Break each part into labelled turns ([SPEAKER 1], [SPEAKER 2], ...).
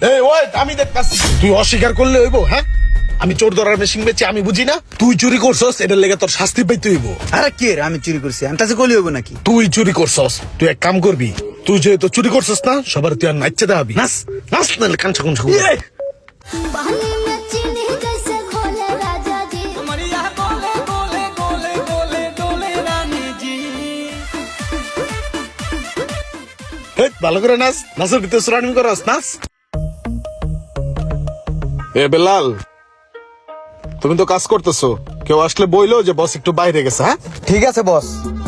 [SPEAKER 1] এই ওই আমি দেখতাছি তুই অস্বীকার করলে হইব। হ্যাঁ আমি চোর ধরার মেশিন বেচি, আমি বুঝি না? তুই চুরি করছস, এটার লেগে তোর শাস্তি পাইতে হইব।
[SPEAKER 2] আরে কে রে আমি চুরি করছি? আমি কাছে কলি হইব নাকি?
[SPEAKER 1] তুই চুরি করছস, তুই এক কাম করবি, তুই যেহেতু চুরি করছস না, সবার তুই আর নাচতে দেখাবি। নাচ নাচ, নাহলে কাঞ্চা কুঞ্চা
[SPEAKER 3] बहनी में चीनी जैसे घोले राजा जी।
[SPEAKER 1] ভালো করে নাচ, নাচের ভিতরে সুরানি করস, নাচ। এ বেলাল, তুমি তো কাজ করতেছো, কেউ আসলে বইলো যে বস একটু বাইরে গেছে। হ্যাঁ
[SPEAKER 2] ঠিক আছে বস।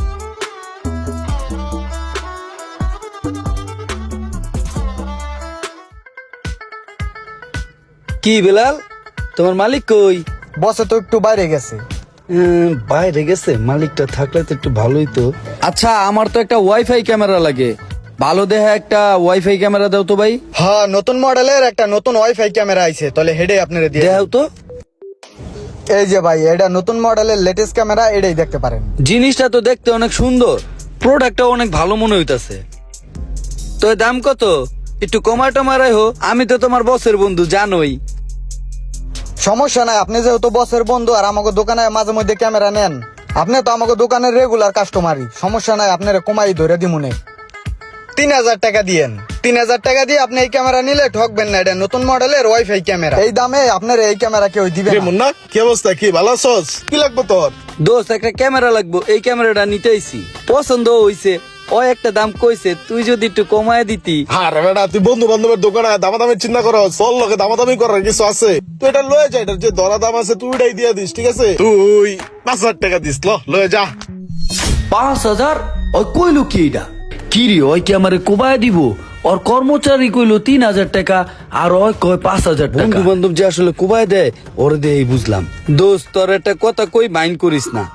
[SPEAKER 4] কি বেলাল, তোমার মালিক কই?
[SPEAKER 2] বসে তো একটু বাইরে গেছে।
[SPEAKER 4] বাইরে গেছে? মালিকটা থাকলে তো একটু ভালোই তো। আচ্ছা, আমার তো একটা ওয়াইফাই ক্যামেরা লাগে, ভালো দেখে একটা ওয়াইফাই ক্যামেরা দাও তো ভাই।
[SPEAKER 2] হ্যাঁ, নতুন মডেলের একটা নতুন ওয়াইফাই ক্যামেরা আইছে, তাহলে হেডে আপনারা দিয়ে
[SPEAKER 4] দেখাও তো।
[SPEAKER 2] এই যে ভাই, এটা নতুন মডেলের লেটেস্ট ক্যামেরা, এটাই দেখতে পারেন।
[SPEAKER 4] জিনিসটা তো দেখতে অনেক সুন্দর, প্রোডাক্টটা অনেক ভালো মনে হইতাছে। তো এর দাম কত? একটু কমায় টমায় হো, আমি তো তোমার বসের বন্ধু জানোই।
[SPEAKER 2] সমস্যা নাই, আপনি যেহেতু বসের বন্ধু আর আমাকে দোকানে মাঝে মধ্যে ক্যামেরা নেন, আপনি তো আমাকে দোকানের রেগুলার কাস্টমারই। সমস্যা নাই, আপনারা কমাই ধরে দিমুনে। 3000 টাকা দিয়েন। 3000 টাকা দিয়ে আপনি এই ক্যামেরা নিলে ঠকবেন না, এটা নতুন মডেলের ওয়াইফাই ক্যামেরা। এই দামে আপনার এই ক্যামেরা কেউ দিবে
[SPEAKER 1] রে
[SPEAKER 2] না।
[SPEAKER 1] মুন্না, কি অবস্থা? কি ভালো আছস? কি লাগবে তোর?
[SPEAKER 4] দোস্ত, একটা ক্যামেরা লাগবো, এই ক্যামেরাটা নিতে আইছি, পছন্দ হইছে। ও একটা দাম কইছে, তুই যদি একটু কমায় দিতি।
[SPEAKER 1] আরে বেটা, তুই বন্ধু বান্ধবের দোকানে দামাদামি চিন্তা করো, চল লোকে দামাদামি করার কিছু আছে? তুই এটা লয়ে যা, এটার যে দরা দাম আছে তুই এটাই দিয়ে দিস, ঠিক আছে? তুই 5000 টাকা দিস, লয়ে যা।
[SPEAKER 4] 5000? ওই কইলো কি এটা? কি রে, ওই কি আমারে কোবায় দিব? ওর কর্মচারী কইলো 3000 টাকা, আর ওই কয় 5000 টাকা। বন্ধু বান্ধব যে আসলে কোবায় দেয়, ওরে দিয়ে বুঝলাম। দোস্ত, তোর একটা কথা কই, মাইন্ড করিস না।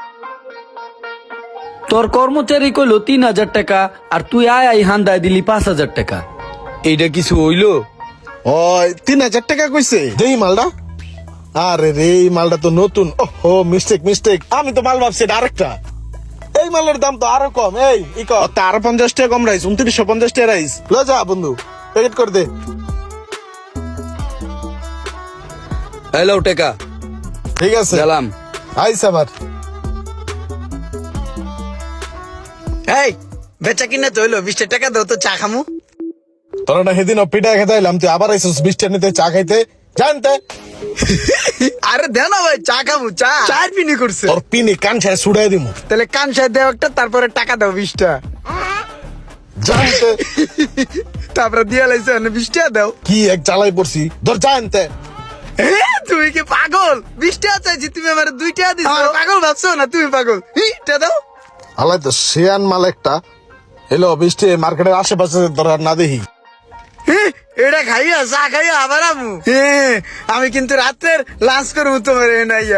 [SPEAKER 4] তোর কর্মচারী কইলো 3000 টাকা, আর তুই আই হান্দায় দিলি 5000 টাকা। এইটা কিছু হইলো?
[SPEAKER 1] ওই 3000 টাকা কইছে, দেই মালটা। আরে রে, এই মালটা তো নতুন। ওহো, মিস্টেক। আমি তো মাল ভাবছি এটা আরেকটা। এই মালের দাম তো আরো কম। এই আরো 50 টাকা কম রাইস, 2950 টাকা রাইস। লয়ে যা বন্ধু, প্যাকেট করে দে।
[SPEAKER 4] হ্যালো টাকা,
[SPEAKER 1] ঠিক আছে,
[SPEAKER 4] গেলাম।
[SPEAKER 1] আইস আবার।
[SPEAKER 2] এই বেচা কিনা তো হইলো, 20 টাকা দাও তো, চা খামু।
[SPEAKER 1] তোরা না সেদিন পিঠা খেতে এলাম, তুই আবার আইসিস 20 টাকা নিতে, চা খাইতে জানতে।
[SPEAKER 2] আরে দেও না ভাই, চা খামু। চার পিনি করছে।
[SPEAKER 1] তোর পিনি কান ছায় ছুড়াই দিমু
[SPEAKER 2] তাহলে কান সাহেব দেও একটা, তারপরে টাকা দাও 20 টা।
[SPEAKER 1] জানতে।
[SPEAKER 2] তারপরে দিয়ে লাইছে 20 টাকা দাও।
[SPEAKER 1] কি এক চালাই পড়ছি, ধর জানতে।
[SPEAKER 2] তুমি কি পাগল? 20 টাকা চাইছি, তুমি আমার 2 টাকা দিছো। পাগল ভাবছো না তুমি? পাগল। টা দাও।
[SPEAKER 1] আলাই তো শেয়ান মাল একটা এলো 20 টাকা, মার্কেটের আশেপাশে ধর আর না দেখি।
[SPEAKER 2] এটা খাইয়া চা খাইয়া আবার আমু। আমি কিন্তু রাতের লাঞ্চ করবো তোমার নাইয়া।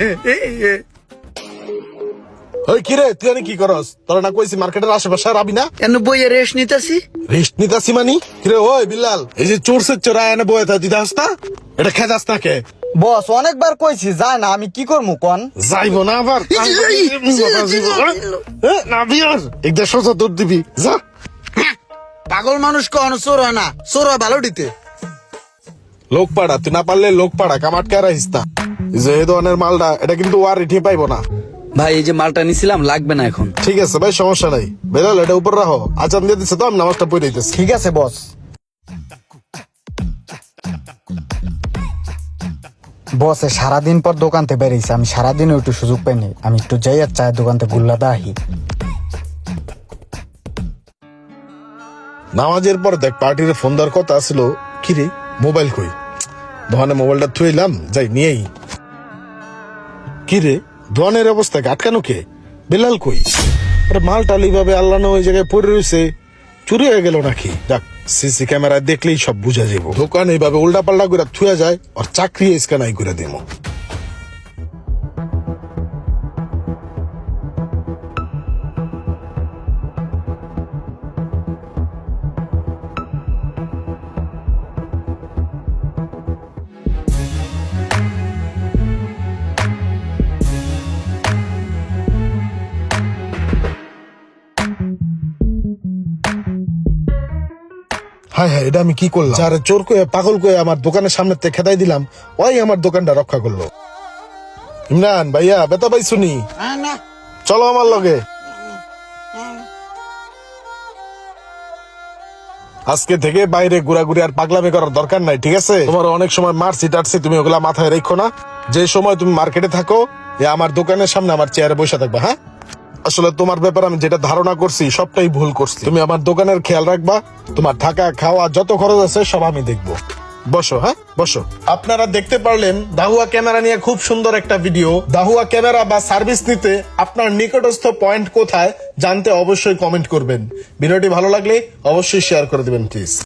[SPEAKER 1] ওই কিরে, তুই জানি কি করস? তোরা না কইছি মার্কেটের আশেপাশে আর আবি না।
[SPEAKER 2] কেন বইয়ে রেস্ট নিতেছি?
[SPEAKER 1] রেস্ট নিতাছি মানি? কিরে ওই বিল্লাল, এই যে চোরসের চোরা এনে বয়ে থা দিতে হাস না, এটা খেদাস না কে?
[SPEAKER 2] বস অনেকবার কইছি যায় না, আমি কি করবো কন?
[SPEAKER 1] যাইবো না আবার না বিয়ার একদম সোজা দৌড় দিবি, যা।
[SPEAKER 2] পাগল মানুষ কখনো চোর হয় না, চোর হয় ভালো দিতে।
[SPEAKER 1] লোক পাড়া, তুই না পারলে লোক পাড়া, কামাটকে রাখিস না। এই যে এই ধরনের মালটা, এটা কিন্তু আর রিঠে পাইবো না।
[SPEAKER 4] ভাই, এই যে মালটা নিছিলাম, লাগবে না এখন।
[SPEAKER 1] ঠিক আছে ভাই, সমস্যা নাই। বেলাল, এটা উপর রাখো, আজান দিয়ে দিচ্ছে তো, আমি নামাজটা পড়ে দিতেছি।
[SPEAKER 2] ঠিক আছে বস। বসে সারাদিন পর দোকানতে বেরিয়েছে, আমি সারাদিনও একটু সুযোগ পাইনি, আমি একটু যাই আর চায়ের দোকানতে গুল্লা দাহি।
[SPEAKER 1] নামাজের পর দেখ পার্টির ফোন দেওয়ার কথা আসলো। কিরে মোবাইল কই? দোকানে মোবাইলটা থুইলাম, যাই নিয়েই। কিরে, দোকানের অবস্থা আটকানো কে? বেলাল কই? আরে মালটাল এইভাবে আল্লাহ না ওই জায়গায় পড়ে রয়েছে, চুরি হয়ে গেল নাকি? যাক, সিসি ক্যামেরায় দেখলেই সব বুঝা যাব। দোকান এইভাবে উল্টা পাল্টা করে থুয়া যায়, আর চাকরি স্ক্যানাই করে দেবো। হায় হায়, এটা আমি কি করলাম? যারে চোর কয়ে পাগল কয়ে আমার দোকানের সামনে থেকে খেদাই দিলাম, ওই আমার দোকানটা রক্ষা করলো। ইমরান ভাইয়া, বেতা পাই শুনি, চলো আমার লগে। আজকে থেকে বাইরে ঘোরাঘুরি আর পাগলামি করার দরকার নাই, ঠিক আছে? তোমার অনেক সময় মারছি টারছি, তুমি ওগুলা মাথায় রেখো না। যে সময় তুমি মার্কেটে থাকো, আমার দোকানের সামনে আমার চেয়ারে বসে থাকবা। হ্যাঁ, আসলে তোমার ব্যাপারে আমি যেটা ধারণা করছি সবটাই ভুল করছি। তুমি আমার দোকানের খেয়াল রাখবা, তোমার থাকা খাওয়া যত খরচ আছে সব আমি দেখবো। বসো, হ্যাঁ বসো। আপনারা দেখতে পারলেন দাহুয়া ক্যামেরা নিয়ে খুব সুন্দর একটা ভিডিও। দাহুয়া ক্যামেরা বা সার্ভিস নিতে আপনার নিকটস্থ পয়েন্ট কোথায় জানতে অবশ্যই কমেন্ট করবেন। ভিডিওটি ভালো লাগলে অবশ্যই শেয়ার করে দিবেন প্লিজ।